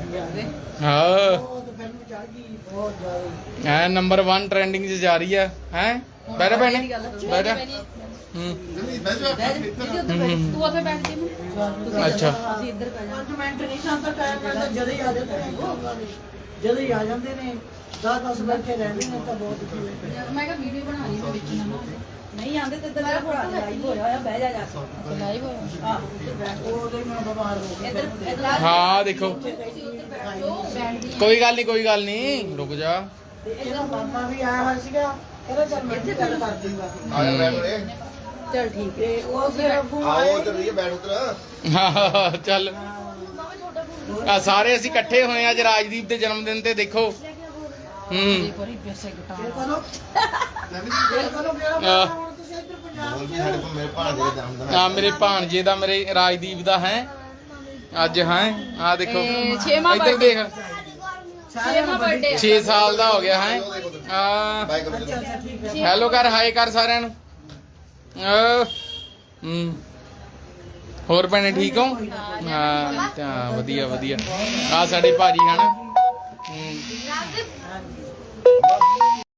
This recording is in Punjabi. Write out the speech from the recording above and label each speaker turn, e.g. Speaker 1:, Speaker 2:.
Speaker 1: हाँ है नंबर 1 ट्रेंडिंग च जा रही है हैं बैठा भैने बैठा अच्छा
Speaker 2: ਜਦੋਂ ਹੀ ਆ ਜਾਂਦੇ ਨੇ 10 ਬੈਠੇ ਰਹਿੰਦੇ ਨੇ ਤਾਂ ਬਹੁਤ
Speaker 3: ਮੈਂ ਕਿਹਾ ਵੀਡੀਓ ਬਣਾ ਲਈ ਮੈਂ ਵਿੱਚ ਨਾ
Speaker 2: ਨਹੀਂ ਆਂਦੇ ਤੇ ਤੇਰਾ ਭਰਾ ਲਾਈਵ ਹੋਇਆ ਹੋਇਆ ਬਹਿ ਜਾ
Speaker 3: ਲਾਈਵ ਹੋਇਆ
Speaker 2: ਆਹ ਉਹਦੇ ਮੈਂ ਬਿਮਾਰ ਹੋ ਗਿਆ
Speaker 1: हाँ देखो कोई गल नहीं रुक जा
Speaker 2: ਤੇ ਇਹਦਾ ਮਾਮਾ ਵੀ ਆਇਆ ਹੋਇਆ ਸੀਗਾ ਕਹਿੰਦਾ ਚੱਲ ਮੈਂ ਇੱਥੇ ਗੱਲ ਕਰ ਦੂੰਗਾ
Speaker 4: ਆਇਆ ਬੈਠ ਉਰੇ
Speaker 2: ਚੱਲ ਠੀਕ ਹੈ ਉਹ ਫਿਰ ਅੱਗੋਂ
Speaker 4: ਆਓ ਉਧਰ ਰਹੀਏ ਬੈਠ ਉਧਰ
Speaker 1: हाँ चल आ सारे ਅਸੀਂ ਇਕੱਠੇ ਹੋਏ ਆ ਅੱਜ ਰਾਜਦੀਪ ਦੇ ਜਨਮ ਦਿਨ ਤੇ ਦੇਖੋ
Speaker 3: ਬੜੀ ਪੈਸੇ
Speaker 2: ਇਹ
Speaker 3: ਘਟਾ
Speaker 2: ਕਰੋ ਇਹ ਕਰੋ ਮੇਰਾ ਹੁਣ ਤੁਸੀਂ ਇੱਧਰ ਪੰਜਾਬ
Speaker 4: ਬੋਲ ਵੀ ਸਾਡੇ ਕੋਲ ਮੇਰੇ ਭਾਣੇ ਦੇ ਜਨਮ ਦਿਨ
Speaker 1: ਆ ਮੇਰੇ ਭਾਣਜੇ ਦਾ ਮੇਰੇ ਰਾਜਦੀਪ ਦਾ ਹੈ ਅੱਜ ਹੈ ਆ ਦੇਖੋ
Speaker 3: ਇਹ ਛੇਵਾਂ
Speaker 1: ਇੱਧਰ ਦੇਖ
Speaker 3: ਛੇਵਾਂ ਬਰਥਡੇ
Speaker 1: 6 ਸਾਲ ਦਾ ਹੋ ਗਿਆ ਹੈ ਆ
Speaker 4: ਬਾਈ ਕਰੋ
Speaker 2: ਅੱਛਾ ਅੱਛਾ ਠੀਕ ਹੈ
Speaker 1: ਹੈਲੋ ਕਰ ਹਾਈ ਕਰ ਸਾਰਿਆਂ ਨੂੰ ਹੋਰ ਭੈਣੇ ਠੀਕ ਹੋ ਹਾਂ ਤਾਂ ਵਧੀਆ ਵਧੀਆ ਆ ਸਾਡੇ ਭਾਜੀ ਹਨ